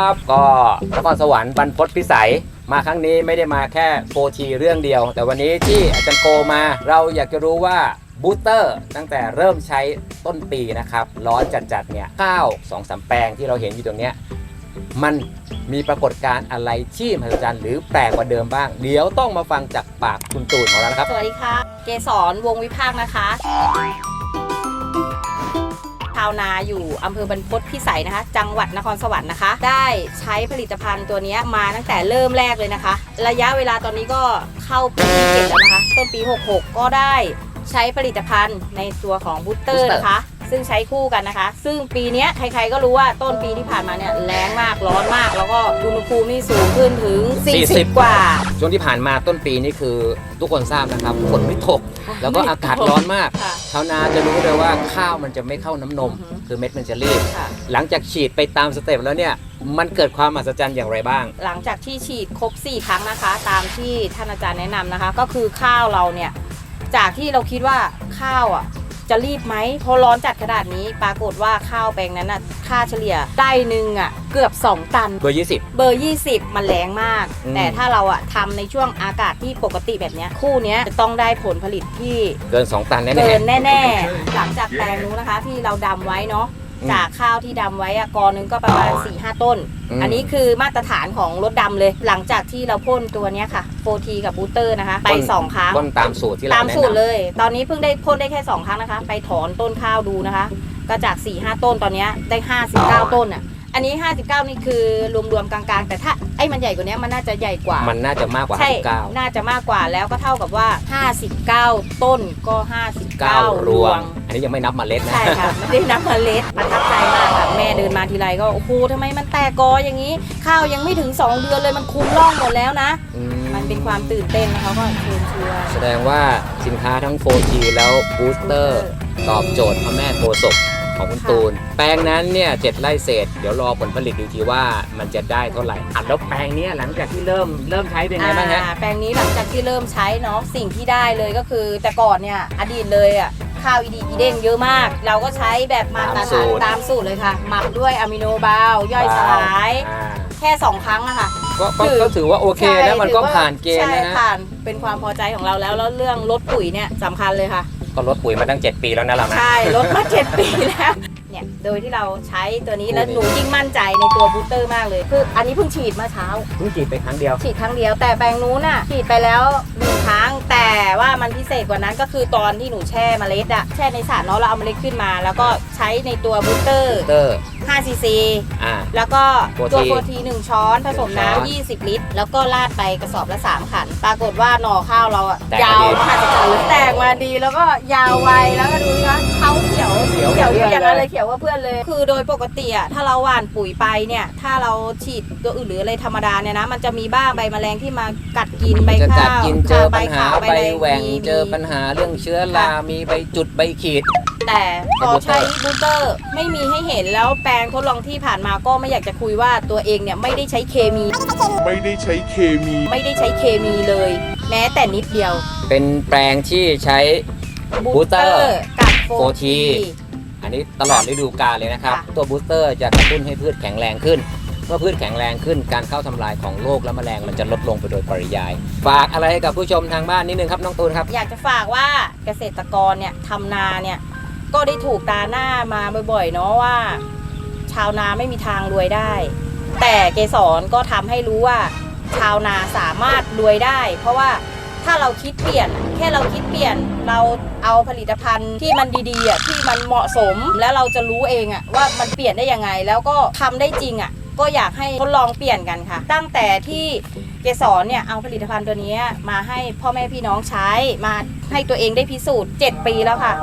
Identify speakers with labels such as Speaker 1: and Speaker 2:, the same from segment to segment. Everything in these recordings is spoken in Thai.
Speaker 1: บก็นครสวรรค์บรรพตพิสัยมาครั้งนี้ไม่ได้มาแค่โฟทีเรื่องเดียวแต่วันนี้ที่อาจารย์โกมาเราอยากจะรู้ว่าบูสเตอร์ตั้งแต่เริ่มใช้ต้นปีนะครับร้อนจัดๆเนี่ยข้าว 2-3 แปลงที่เราเห็นอยู่ตรงเนี้ยมันมีปรากฏการณ์อะไรที่มหัศจรรย์หรือแปลกกว่าเดิมบ้างเดี๋ยวต้องมาฟังจากปากคุณตูนของเรานะครับ
Speaker 2: สวัสดีค่ะเกษรวงวิภาคนะคะชาวนาอยู่อำเภอบรรพตพิสัยนะคะจังหวัดนครสวรรค์นะคะได้ใช้ผลิตภัณฑ์ตัวนี้มาตั้งแต่เริ่มแรกเลยนะคะระยะเวลาตอนนี้ก็เข้าปีที่ 7แล้วนะคะต้นปี 66ก็ได้ใช้ผลิตภัณฑ์ในตัวของบูสเตอร์นะคะซึ่งใช้คู่กันนะคะซึ่งปีนี้ใครๆก็รู้ว่าต้นปีที่ผ่านมาเนี่ยแล้งมากร้อนมากแล้วก็อุณหภูมินี่สูงขึ้นถึง40กว่า
Speaker 1: ช่วงที่ผ่านมาต้นปีนี่คือทุกคนทราบนะครับฝนไม่ตกแล้วก็อากาศร้อนมากชาวนาจะรู้เลยว่าข้าวมันจะไม่เข้าน้ำนมคือเม็ดมันจะรีบหลังจากฉีดไปตามสเต็ปแล้วเนี่ยมันเกิดความมหัศจรรย์อย่างไรบ้าง
Speaker 2: หลังจากที่ฉีดครบ4ครั้งนะคะตามที่ท่านอาจารย์แนะนำนะคะก็คือข้าวเราเนี่ยจากที่เราคิดว่าข้าวอ่ะจะรีบไหมพอร้อนจัดขนาดนี้ปรากฏว่าข้าวแปลงนั้นน่ะค่าเฉลี่ยได้หนึ่งอ่ะเกือบ2ตัน
Speaker 1: เบอร์
Speaker 2: 20มันแรงมากแต่ถ้าเราอ่ะทำในช่วงอากาศที่ปกติแบบนี้คู่นี้จะต้องได้ผลผลิตที่
Speaker 1: เกิน2ตันแน่ๆ
Speaker 2: เกินแน่ๆหลังจากแปลงนู้นนะคะที่เราดำไว้เนาะจากข้าวที่ดำไว้อะกอนึงก็ประมาณ 4-5 ต้นอันนี้คือมาตรฐานของรถดำเลยหลังจากที่เราพ่นตัวนี้ค่ะโฟทีกับบูสเตอร์นะคะไป2ครั้ง
Speaker 1: พ่นตามสูตรที่เรา
Speaker 2: ตามสูตรเลยตอนนี้เพิ่งได้พ่นได้แค่2ครั้งนะคะไปถอนต้นข้าวดูนะคะก็จาก 4-5 ต้นตอนนี้ได้59ต้นอ่ะอันนี้59นี่คือรวมๆกลางๆแต่ถ้าไอ้มันใหญ่กว่านี้มันน่าจะใหญ่กว่า
Speaker 1: มันน่าจะมากกว่า
Speaker 2: 59น่าจะมากกว่าแล้วก็เท่ากับว่า59ต้นก็59รวง
Speaker 1: อันนี้ยังไม่นับเมล็ดนะ
Speaker 2: ใช่ค่ะไม่ได้นับเมล็ดประทับใจมากค่ะแม่เดินมาทีไรก็โอ้โหทำไมมันแตกกออย่างนี้ข้าวยังไม่ถึง2เดือนเลยมันคุมร่องหมดแล้วนะมันเป็นความตื่นเต้นนะคะก็เชิญชวน
Speaker 1: แสดงว่าสินค้าทั้ง 4G แล้วบูสเตอร์ตอบโจทย์พระแม่โพธิ์ศพของคุณตูนแปลงนั้นเนี่ย7 ไร่เศษเดี๋ยวรอผลผลิตดูทีว่ามันจะได้เท่าไหร่แล้วแปลงนี้หลังจากที่เริ่มใช้เป็นไงบ้างฮะ
Speaker 2: แปลงนี้หลังจากที่เริ่มใช้เนาะสิ่งที่ได้เลยก็คือแต่ก่อนเนี่ยอดีตเลยอ่ะข้าวอีเด้งเยอะมากเราก็ใช้แบบมาตรฐานตามสูตรเลยค่ะหมักด้วยอะมิโนบาลย่อยสลายแค่2ครั้งอะค่ะ
Speaker 1: ก็ถือว่าโอเคแล้วมันก็ผ่านเกณฑ์นะฮะ
Speaker 2: ผ่านเป็นความพอใจของเราแล้วเรื่องลดปุ๋ยเนี่ยสำคัญเลยค่ะ
Speaker 1: ก็ลดปุ๋ยมาตั้ง7 ปีแล้วนะเรา
Speaker 2: ใช่ลดมา7 ปีแล้วเนี่ยโดยที่เราใช้ตัวนี้แล้วหนูยิ่งมั่นใจในตัวบูสเตอร์มากเลยคืออันนี้เพิ่งฉีดเมื่อเช้า
Speaker 1: เพิ่งฉีดไปครั้งเดียว
Speaker 2: แต่แปลงนู้นน่ะฉีดไปแล้ว1 ครั้งแต่ว่ามันพิเศษกว่านั้นก็คือตอนที่หนูแช่เมล็ดอะแช่ในสารเนาะเราเอาเมล็ดขึ้นมาแล้วก็ใช้ในตัวบูสเตอร์5 ซีซีแล้วก็ตัวโฟที1 ช้อนผสมน้ำ20 ลิตรแล้วก็ราดไปกระสอบละ3 ขันปรากฏว่าหน่อข้าวเราอะยาวมากแตกมาดีแล้วก็ยาวไวแล้วก็ดูนะเขาเขียวอย่างนั้นเลยเขียวว่าเพื่อนเลยคือโดยปกติอะถ้าเราหว่านปุ๋ยไปเนี่ยถ้าเราฉีดตัวอื่นหรืออะไรธรรมดาเนี่ยนะมันจะมีบ้างใบแมลงที่มากัดกินใบข้าว
Speaker 1: เจอปัญหาใบแหว่งเจอปัญหาเรื่องเชื้อรามีใบจุดใบขีด
Speaker 2: แต่พอใช้บูสเตอร์ไม่มีให้เห็นแล้วแปลงทดลองที่ผ่านมาก็ไม่อยากจะคุยว่าตัวเองเนี่ยไม่ได้ใช้เคมีเลยแม้แต่นิดเดียว
Speaker 1: เป็นแปลงที่ใช้บูสเตอร์
Speaker 2: กับโฟที
Speaker 1: อันนี้ตลอดฤดูกาลเลยนะครับตัวบูสเตอร์จะกระตุ้นให้พืชแข็งแรงขึ้นเมื่อพืชแข็งแรงขึ้นการเข้าทำลายของโรคและแมลงมันจะลดลงไปโดยปริยายฝากอะไรให้กับผู้ชมทางบ้านนิดนึงครับน้องตูนครับ
Speaker 2: อยากจะฝากว่าเกษตรกรเนี่ยทำนาเนี่ยก็ได้ถูกตาหน้ามาบ่อยๆเนาะว่าชาวนาไม่มีทางรวยได้แต่เกสรก็ทำให้รู้ว่าชาวนาสามารถรวยได้เพราะว่าถ้าเราคิดเปลี่ยนแค่เราคิดเปลี่ยนเราเอาผลิตภัณฑ์ที่มันดีๆที่มันเหมาะสมแล้วเราจะรู้เองว่ามันเปลี่ยนได้ยังไงแล้วก็ทำได้จริงก็อยากให้ทดลองเปลี่ยนกันค่ะตั้งแต่ที่เกสรเนี่ยเอาผลิตภัณฑ์ตัวนี้มาให้พ่อแม่พี่น้องใช้มาให้ตัวเองได้พิสูจน์7 ปีแล้วค่ะ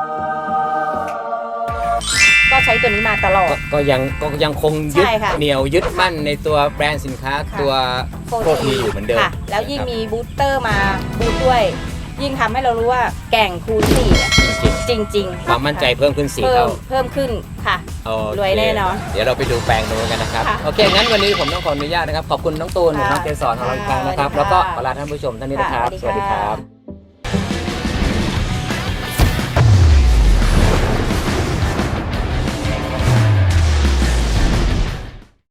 Speaker 2: ก็ใช้ตัวนี้มาตลอด
Speaker 1: ก็ยังคงยึดเหนี่ยวยึดมั่นในตัวแบรนด์สินค้าตัวโฟทีอยู่เหมือนเดิม
Speaker 2: แล้วยิ่งมีบูสเตอร์มาบูสต์ด้วยยิ่งทำให้เรารู้ว่าแก่งคูณ4จริง
Speaker 1: ความมั่นใจเพิ่มขึ้น4 เท่า
Speaker 2: เพิ่มขึ้นค่ะรวยแน่นอน
Speaker 1: เดี๋ยวเราไปดูแปลงนู้นกันนะครับโอเคงั้นวันนี้ผมต้องขออนุญาตนะครับขอบคุณน้องตูนน้องเกสรของเราอีกครั้งนะครับแล้วก็ขอลาท่านผู้ชมท่านนี้นะครับสวัสดีครับ